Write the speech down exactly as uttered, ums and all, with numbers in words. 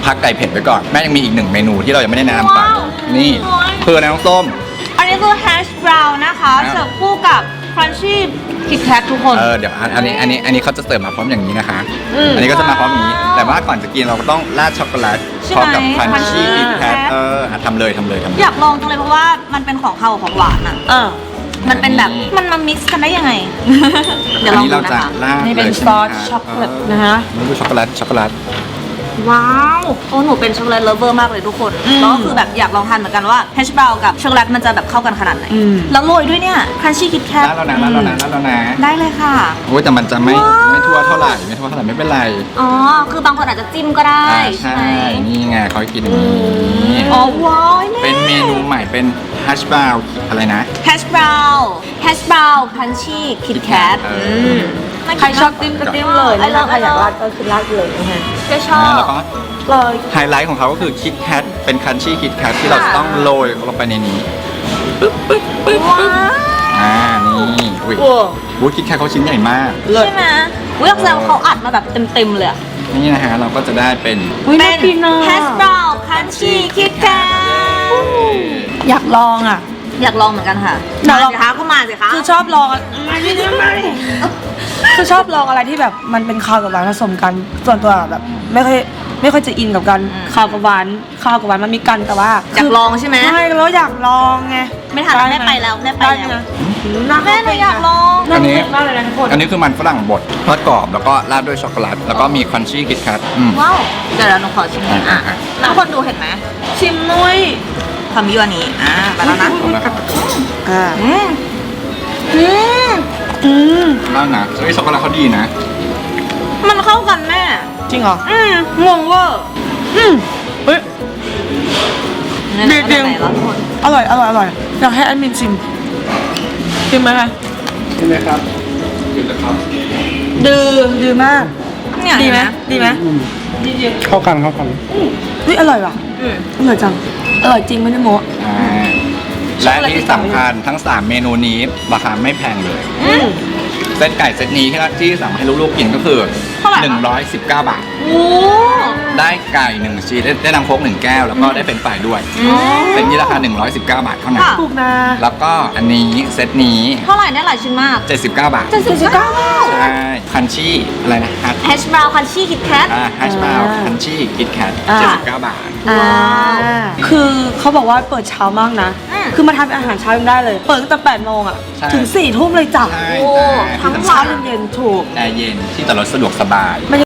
พักไก่เผ็ดไปก่อนแม่ยังมีอีกหนึ่งเมนูที่เรายังไม่ได้แนะนำไปนี่คืออะไรน้องส้มอันนี้คือแฮชบราวน์นะคะเสิร์ฟคู่กับครันชี่คิดแคททุกคนเออเดี๋ยวอันนี้อันนี้อันนี้เขาจะเสิร์ฟมาพร้อมอย่างนี้นะคะอันนี้ก็จะมาพร้อมอย่างนี้แต่ว่าก่อนจะกินเราก็ต้องราดช็อกโกแลตพร้อมกับครันชี่คิดแคทเออทำเลยทำเลยทำเลยอยากลองจังเลยเพราะว่ามันเป็นของข้าวของหวานอ่ะเออมันเป็นแบบมันมามิกซ์กันได้ยังไงเดี๋ยวลองดูนะคะนี่เป็นซอสช็อกโกแลตนะคะนี่คือช็อกโกแลตช็อกโกแลตว้าวโอ้หนูเป็นช็อกโกแลตเลฟเวอร์มากเลยทุกคนแล้วก็คือแบบอยากลองทานเหมือนกันว่าแฮชบราวน์กับช็อกโกแลตมันจะแบบเข้ากันขนาดไหนแล้วโรยด้วยเนี่ยครันชี่คิดแคทแล้วนะแล้วนะแล้วนะได้เลยค่ะโอ้ยแต่มันจะไม่ไม่ทั่วเท่าไหร่ไม่ทั่วเท่าไหร่ไม่เป็นไรอ๋อคือบางคนอาจจะจิ้มก็ได้ใช่นี่ไงเขากินอย่างนี้อ๋อว้าวเป็นเมนูใหม่เป็นแฮชบราวน์อะไรนะแฮชบราวน์แฮชบราวน์ครันชี่คิดแคทใครชอบจิ้มก็จิ้มเลยนะคะใครอยากราดก็คือราดเลยนะคะก็ชอบเลยไฮไลท์ของเขาก็คือคิดแคทเป็นคันชี่คิดแคทที่เราต้องโรยลงไปในนี้ปึ๊บปึ๊บปึ๊บปึ๊บอ่านี่อุ้ยวูดคิดแคทเขาชิ้นใหญ่มากใช่ไหมวิลล์เขาอัดมาแบบเต็มๆเลยนี่นะฮะเราก็จะได้เป็นเป็นแฮชบราวน์คันชี่คิดแคทอยากลองอ่ะอยากลองเหมือนกันค่ะมาสิคะก็มาสิคะคือชอบลองไม่ได้ไม่คือชอบลองอะไรที่แบบมันเป็นข้าวกับหวานผสมกันส่วนตัวแบบไม่ค่อยไม่ค่อยจะอินกับกันข้าวกับหวานข้าวกับหวานมันมีกันแต่ว่าอยากลองใช่ไหมใช่แล้วอยากลองไงไม่ทันแม่ไปแล้วแม่ไปแล้วแม่หนูอยากลองอันนี้อันนี้คือมันฝรั่งบดทอดกรอบแล้วก็ราดด้วยช็อกโกแลตแล้วก็มีครันชี่คิดแคทว้าวเดี๋ยวเราหนูขอชิมอ่ะแล้วคนดูเห็นไหมชิมนุ้ยทำยั่วนี้อ่าไปแล้วนะอ่าอืมอืมอืมแล้วนะเฮ้ยช็อกโกแลตเขาดีนะมันเข้ากันแม่จริงเหรออืมงงเวอร์อืมเฮ้ยเด็ดเด็ดอร่อยอร่อยอร่อยอยากให้แอดมินชิมชิมไหมคะชิมไหมครับชิมเลยครับดื้อดื้อมากดีไหมดีไหมเข้ากันเข้ากันเฮ้ยอร่อยว่ะอร่อยจังอร่อยจริงไม่ได้โม้และที่สำคัญทั้งสามเมนูนี้ราคาไม่แพงเลยเซตไก่เซตนี้ที่สั่งให้ลูกๆกินก็คือหนึ่งร้อยสิบเก้าบาทได้ไก่หนึ่งชิ้นได้น้ำโค้กหนึ่งแก้วแล้วก็ได้เป็นฝ่ายด้วยเซตนี้ราคาหนึ่งร้อยสิบเก้าบาทเท่านั้นถูกนะแล้วก็อันนี้เซตนี้เท่าไหร่ได้หลายชิ้นมากเจ็ดสิบเก้าบาทเจ็ดสิบเก้าใช่คันชี่อะไรนะแฮชบราวน์คันชี่คิดแคทอ่าแฮชบราวน์คันชี่คิดแคทเจ็ดสิบเก้าบาทว้าวคือเขาบอกว่าเปิดเช้ามากนะคือมาทำอาหารเช้ายังได้เลยเปิดตั้งแต่แปดโมงอ่ะถึงสี่ทุ่มเลยจ้ะโอ้ทั้งเช้าเย็นถูกแอร์เย็นที่จอดรถสะดวกสบาย